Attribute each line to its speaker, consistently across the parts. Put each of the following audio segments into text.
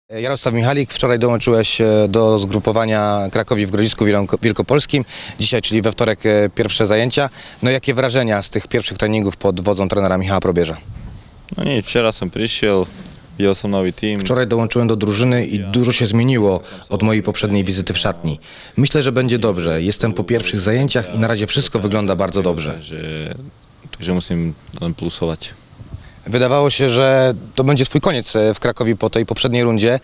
Speaker 1: Jarosław Michalik, wczoraj dołączyłeś do zgrupowania Krakowi w Grodzisku Wielkopolskim. Dzisiaj, czyli we wtorek, pierwsze zajęcia. No jakie wrażenia z tych pierwszych treningów pod wodzą trenera Michała Probierza?
Speaker 2: No nie, wczoraj sam przyszedł, widział sam nowy team.
Speaker 1: Wczoraj dołączyłem do drużyny i dużo się zmieniło od mojej poprzedniej wizyty w szatni. Myślę, że będzie dobrze. Jestem po pierwszych zajęciach i na razie wszystko wygląda bardzo dobrze.
Speaker 2: Także musimy plusować.
Speaker 1: Wydawało się, że to będzie twój koniec w Krakowie po tej poprzedniej rundzie.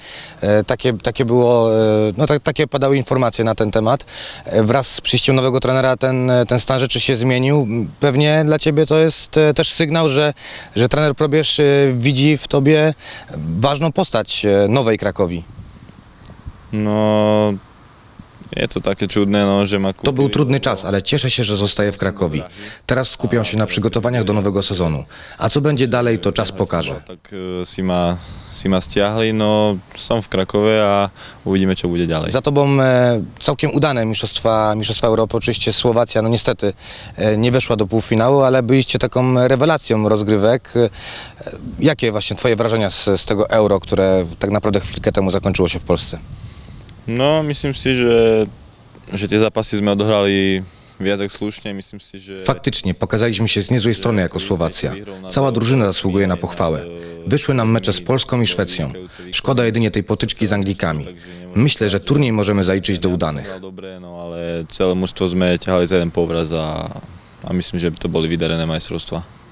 Speaker 1: Takie padały informacje na ten temat. Wraz z przyjściem nowego trenera ten stan rzeczy się zmienił. Pewnie dla ciebie to jest też sygnał, że trener Probierz widzi w tobie ważną postać nowej Krakowi.
Speaker 2: No, jest to takie trudne, no, że ma...
Speaker 1: To był trudny czas, ale cieszę się, że zostaję w Krakowie. Teraz skupiam się na przygotowaniach do nowego sezonu. A co będzie dalej, to czas pokaże.
Speaker 2: Tak si ma stiahli, no som w Krakowie, a uvidíme, co będzie dalej.
Speaker 1: Za tobą całkiem udane Mistrzostwa Europy. Oczywiście Słowacja, no niestety nie weszła do półfinału, ale byliście taką rewelacją rozgrywek. Jakie właśnie twoje wrażenia z tego Euro, które tak naprawdę chwilkę temu zakończyło się w Polsce?
Speaker 2: No, myslím si, że te zapasy sme odohrali viac jak słusznie. Myslím si, że...
Speaker 1: Faktycznie, pokazaliśmy się z niezłej strony jako Słowacja. Cała drużyna zasługuje na pochwałę. Wyszły nam mecze z Polską i Szwecją. Szkoda jedynie tej potyczki z Anglikami. Myślę, że turniej możemy zaliczyć do udanych.
Speaker 2: No, ale całe mužstvo sme ťahali za jeden povraz a myslím, že by to boli vydarené majstrovstvá.